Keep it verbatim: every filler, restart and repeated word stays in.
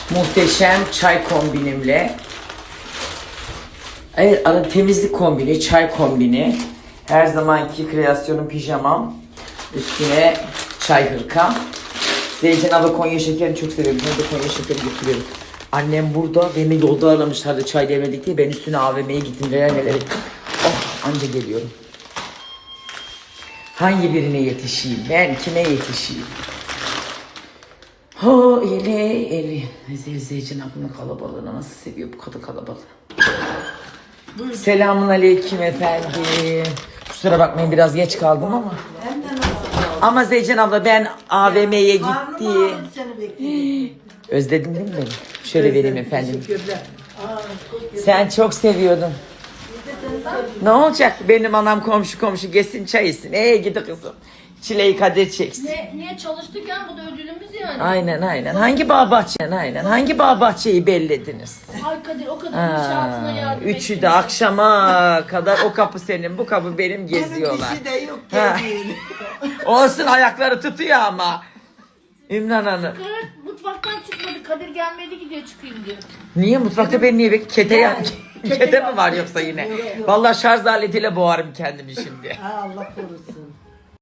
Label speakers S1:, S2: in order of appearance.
S1: muhteşem çay kombinimle. Evet, ara temizlik kombini, çay kombini. Her zamanki kreasyonum pijamam. Üstüne çay hırkam. Zeytin abla Konya şekerini çok seviyorum. Ben de Konya şekeri getiriyorum. Annem burada. Beni yolda aramışlardı çay demedik diye. Ben üstüne A V M'ye gittim. Neler neler ettim. Oh, anca geliyorum. Hangi birine yetişeyim? Ben kime yetişeyim? Ho eli eli. Zeytin ablanın kalabalığını nasıl seviyor bu kadın kalabalığı. Selamun aleyküm efendim. Kusura bakmayın biraz geç kaldım ama. Ama Zeycan abla ben A V M'ye gitti. Özledin değil mi beni? Şöyle vereyim efendim. Sen çok seviyordun. Ne olacak benim anam komşu komşu gelsin çay içsin. Ee gidi kızım. Çileği kader çeksin.
S2: Ne, niye çalıştık ya? Bu da ödülümüz yani.
S1: Aynen aynen. Hangi bağ bahçe? Aynen. Hangi bağ bahçeyi bellediniz?
S2: Ay Kadir o kadar inşaatına yardım
S1: Üçü
S2: ettin.
S1: de akşama kadar o kapı senin, bu kapı benim geziyorlar.
S3: Kişi de yok
S1: Ha.
S3: geziyor.
S1: Olsun ayakları tutuyor ama. Ümran Hanım.
S2: Kadir mutfaktan çıkmadı. Kadir gelmedi gidiyor çıkayım diyor.
S1: Niye mutfakta beni niye bek? Kete, ya- kete mi var yoksa yine? Vallahi şarj aletiyle boğarım kendimi şimdi.
S3: Ha, Allah korusun.